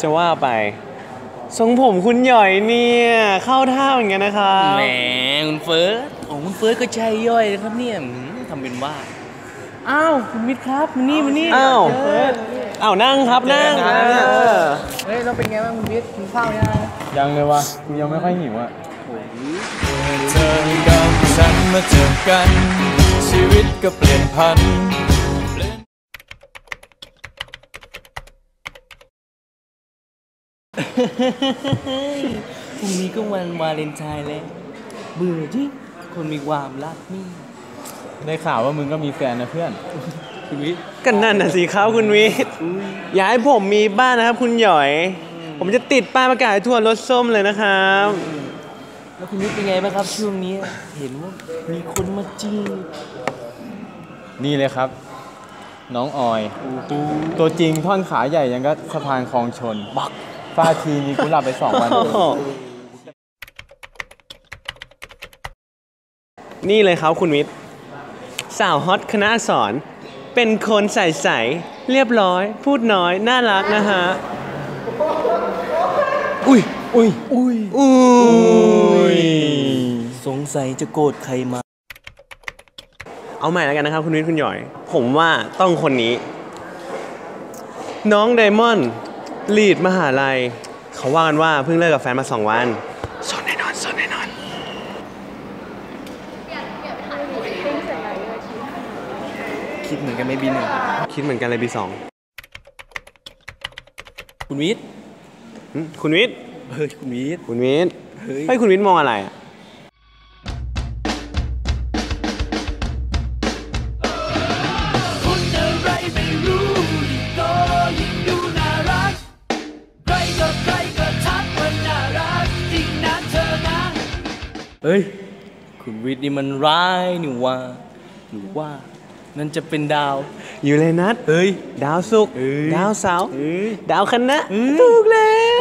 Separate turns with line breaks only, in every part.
จะว่าไปทรงผมคุณหย่อยเนี่ยเข้าท่าเหมือนกันนะครับ
แหมคุณเฟิร์สคุณเฟิร์สก็ใจย่อยนะครับเนี่ยทำเป็นว่าอ้าวคุณมิตรครับมานี่
อ้าวนั่งครับนั่ง
เฮ้ยเราเป็นไงบ้างคุณมิตรกินข้าว
ยังเลยวะกูยังไม่ค่อยหิวอ่ะเธอกับฉันมาเจอกันชีวิตก็เปลี่ยนพัน
พรุ่งนี้ก็วันวาเลนไทน์แล้วเบื่อจริงคนมีความรักนี่
ได้ข่าวว่ามึงก็มีแฟนนะเพื่อน
คุณวิทย์
กันนั่นน่ะสิครับคุณวิทย์อยากให้ผมมีบ้านนะครับคุณหย่อยผมจะติดป้ายประกาศทั่วรถส้มเลยนะครับ
แล้วคุณวิทย์เป็นไงบ้างครับช่วงนี้เห็นว่ามีคนมาจีบ
นี่เลยครับน้องออยตัวจริงท่อนขาใหญ่ยังก็สะพานคลองชนบักฟาทีนี้กูหลับไป2 วัน
นี่เลยครับคุณวิทย์สาวฮอตคณะอักษรเป็นคนใสๆเรียบร้อยพูดน้อยน่ารักนะฮะอุ้ย
สงสัยจะโกรธใครมา
เอาใหม่แล้วกันนะครับคุณวิทย์คุณหย่อยผมว่าต้องคนนี้น้องไดมอนด์ลีดมหาลัยเขาว่ากันว่าเพิ่งเลิกกับแฟนมา2 วันสนแน่นอน
คิดเหมือนกันไหมบี1
คิดเหมือนกันเลยบี2
คุณวิทย์
คุณวิทย์
คุณวิทย์
ให้คุณวิทย์มองอะไรอ่ะ
เฮ้ยคุณวิทย์นี่มันร้ายนี่ว่าหรือว่านั่นจะเป็นดาว
ยูเรนัสดาวศุกร์ดาวเสาร์ดาวคณะถูกแล้ว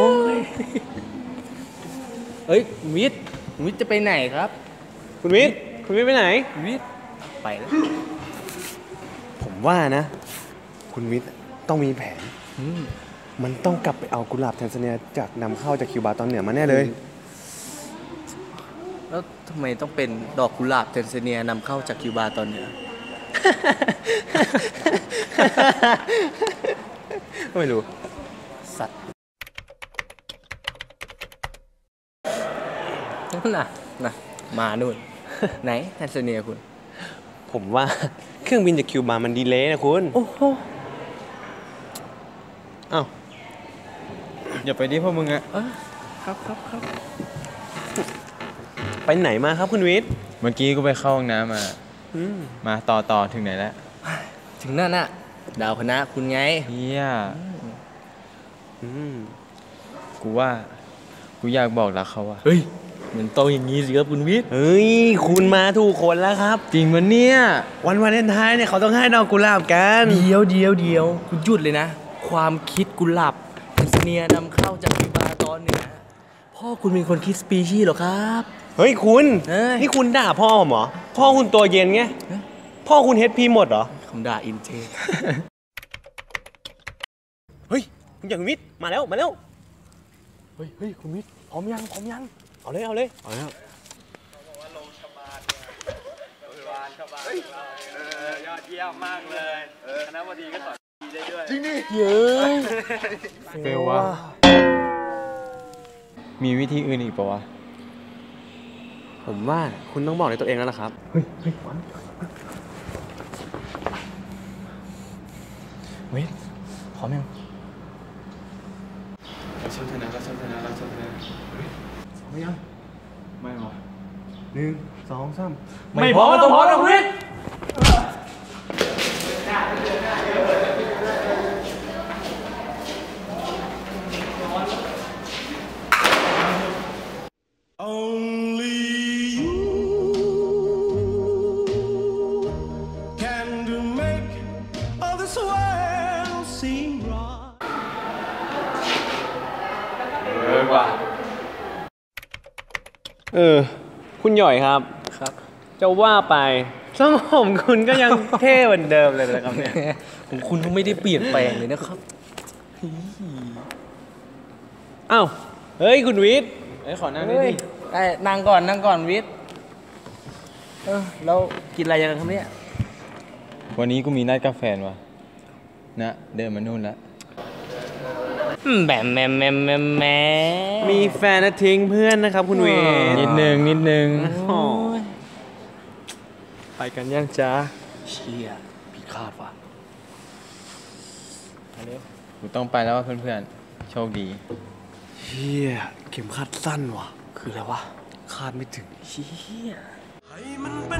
คุณวิทย์จะไปไหนครับ
คุณวิทย์ไปไหน
คุณวิทย์ไปแล้ว
ผมว่านะคุณวิทย์ต้องมีแผนมันต้องกลับไปเอากุหลาบแทนซาเนียจากนำเข้าจากคิวบาตอนเหนือมาแน่เลย
แล้วทำไมต้องเป็นดอกกุหลาบแทนซาเนียนำเข้าจากคิวบาตอนเหนือ
ไม่รู้
สัตว์น่ะมานู่นไหนแทนซาเนียคุณ
ผมว่าเครื่องบินจากคิวบามันดีเลย์นะคุณ
โอ้โห
อ้าว
อย่าไปดิพวกมึงอะ
ครับ
ไปไหนมาครับคุณวิทย์
เมื่อกี้กูไปเข้าห้องน้ำมาต่อถึงไหนแล้ว
ถึงนั่นน่ะดาวคณะคุณไง
เฮียกูว่ากูอยากบอกรักเขาอะ
เฮ้ยมันต้องอย่างนี้สิครับคุณวิทย์
เฮ้ยคุณมาถูกคนแล้วครับ
จริงมันเนี่ย
วันวาเลนไทน์เนี่ยเขาต้องให้ดอกกุหลาบกัน
เดี๋ยวคุณหยุดเลยนะความคิดกุหลาบแทนซาเนียนำเข้าจากคิวบาตอนเหนือพ่อคุณเป็นคนคิดสปีชีส์หรอครับ
เฮ้ยคุณนี่คุณด่าพ่อผมเหรอพ่อคุณตัวเย็นไงพ่อคุณHPหมดเหรอ
คำด่าอินเทค
เฮ้ยคุณอย่างวิทย์มาแล้ว
เฮ้ยคุณวิทย์พร้อมยัง
เอาเลย
เอาแล้ว
ยอดเยี่ยมมากเลยคณะบดีก็สอนดีได้ด้วย
จริงดิเย้ยเฟลวะมีวิธีอื่นอีกปะวะ
ผมว่าคุณต้องบอกในตัวเองแล้วล่ะครับ
เฮ้ยเว้ยพร้อมยังเราชนะพร้อมยังไม่หรอ
1 2 3
ไม่พร้อมต้องพร้อมนะคุณวิทย์
คุณหย่อยครับจะว่าไปทรงผมคุณก็ยังเท่เหมือนเดิมเลยนะครับเนี่ย
ผมคุณก็ไม่ได้เปลี่ยนแปลงเลยนะครับ
อ้าวเฮ้ยคุณวิทย์
เอ้ยขอนั่งด้วย
เฮ้ย
ดิ
ได้นั่งก่อนวิทย์แล้วกินอะไรกันครับเนี่ย
วันนี้กูมีนัดกับแฟนว่ะนะเดินมานู่นแล้ว
แหม
มีแฟนนะทิ้งเพื่อนนะครับคุณวิทย์
นิดนึง
โอ้
ไปกันยังจ้า
เชี่ยผิดคาดว่ะ
กูต้องไปแล้วว่ะเพื่อนๆ โชคดี
เฮียเข็มขัดสั้นว่ะ
คืออะไรวะ
คาดไม่ถึง
เชี่ย
ให้มันไป